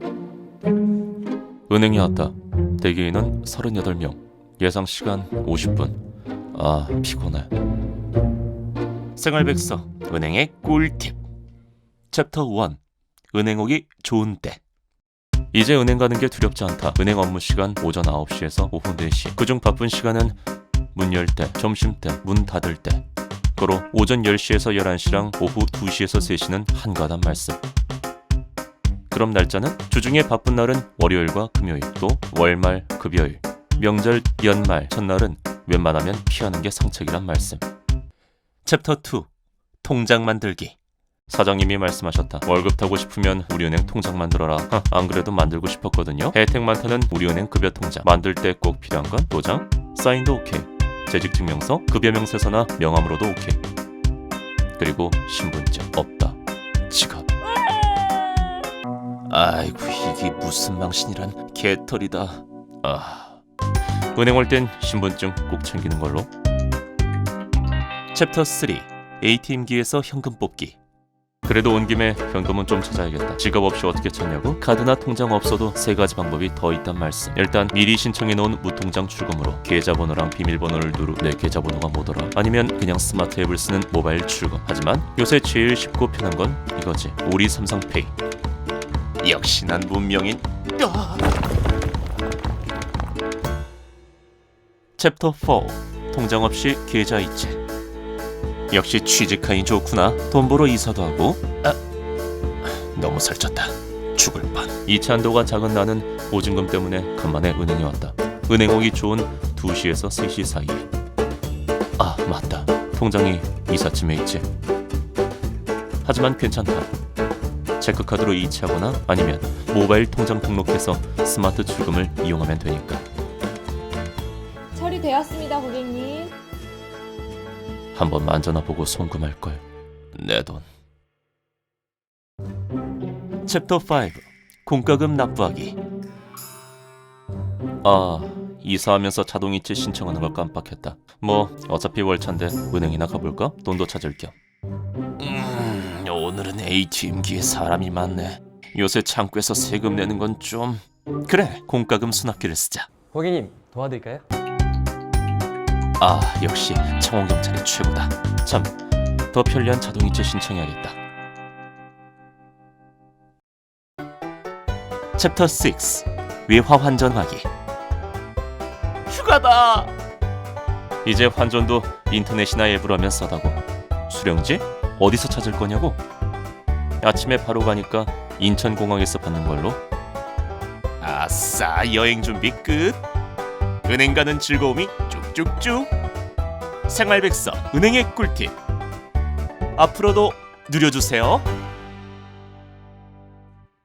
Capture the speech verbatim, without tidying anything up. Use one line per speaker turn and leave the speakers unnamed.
은행에 왔다. 대기인은 서른여덟 명. 예상 시간 오십 분. 아, 피곤해. 생활백서 은행의 꿀팁. 챕터 일. 은행 오기 좋은 때. 이제 은행 가는 게 두렵지 않다. 은행 업무 시간 오전 아홉 시에서 오후 네 시. 그중 바쁜 시간은 문 열 때, 점심 때, 문 닫을 때. 고로 오전 열 시에서 열한 시랑 오후 두 시에서 세 시는 한가단 말씀. 그럼 날짜는? 주중에 바쁜 날은 월요일과 금요일, 또 월말, 급여일, 명절, 연말, 첫날은 웬만하면 피하는 게 상책이란 말씀. 챕터 이. 통장 만들기. 사장님이 말씀하셨다. 월급 타고 싶으면 우리은행 통장 만들어라. 하, 안 그래도 만들고 싶었거든요. 혜택 많다는 우리은행 급여 통장. 만들 때 꼭 필요한 건 도장, 사인도 오케이. 재직증명서, 급여명세서나 명함으로도 오케이. 그리고 신분증 없다. 지갑. 아이고, 이게 무슨 망신이란 개털이다. 아, 은행 올 땐 신분증 꼭 챙기는 걸로. 챕터 삼. 에이티엠기에서 현금 뽑기. 그래도 온 김에 현금은 좀 찾아야겠다. 지갑 없이 어떻게 찾냐고? 카드나 통장 없어도 세 가지 방법이 더 있단 말씀. 일단 미리 신청해 놓은 무통장 출금으로 계좌번호랑 비밀번호를 누르. 내 계좌번호가 뭐더라? 아니면 그냥 스마트 앱을 쓰는 모바일 출금. 하지만 요새 제일 쉽고 편한 건 이거지. 우리 삼성페이. 역시 난 문명인. 아! 챕터 사. 통장 없이 계좌 이체. 역시 취직하니 좋구나. 돈 벌어 이사도 하고. 아, 너무 살쪘다. 죽을 뻔. 이체 한도가 작은 나는 보증금 때문에 간만에 은행에 왔다. 은행 오기 좋은 두 시에서 세 시 사이에. 아, 맞다. 통장이 이삿짐에 있지. 하지만 괜찮다. 체크카드로 이체하거나 아니면 모바일 통장 등록해서 스마트 출금을 이용하면 되니까.
처리되었습니다, 고객님.
한번 만져나 보고 송금할걸. 내 돈. 챕터 오. 공과금 납부하기. 아, 이사하면서 자동이체 신청하는 걸 깜빡했다. 뭐 어차피 월차인데 은행이나 가볼까? 돈도 찾을 겸. 음, 오늘은 에이티엠기에 사람이 많네. 요새 창구에서 세금 내는 건 좀... 그래, 공과금 수납기를 쓰자.
고객님, 도와드릴까요?
아, 역시 청원경찰이 최고다. 참, 더 편리한 자동이체 신청해야겠다. 챕터 육. 외화 환전하기. 휴가다! 이제 환전도 인터넷이나 앱으로 하면 싸다고. 수령지? 어디서 찾을 거냐고? 아침에 바로 가니까 인천공항에서 받는 걸로. 아싸, 여행 준비 끝! 은행 가는 즐거움이 쭉쭉쭉. 생활백서 은행의 꿀팁. 앞으로도 누려주세요.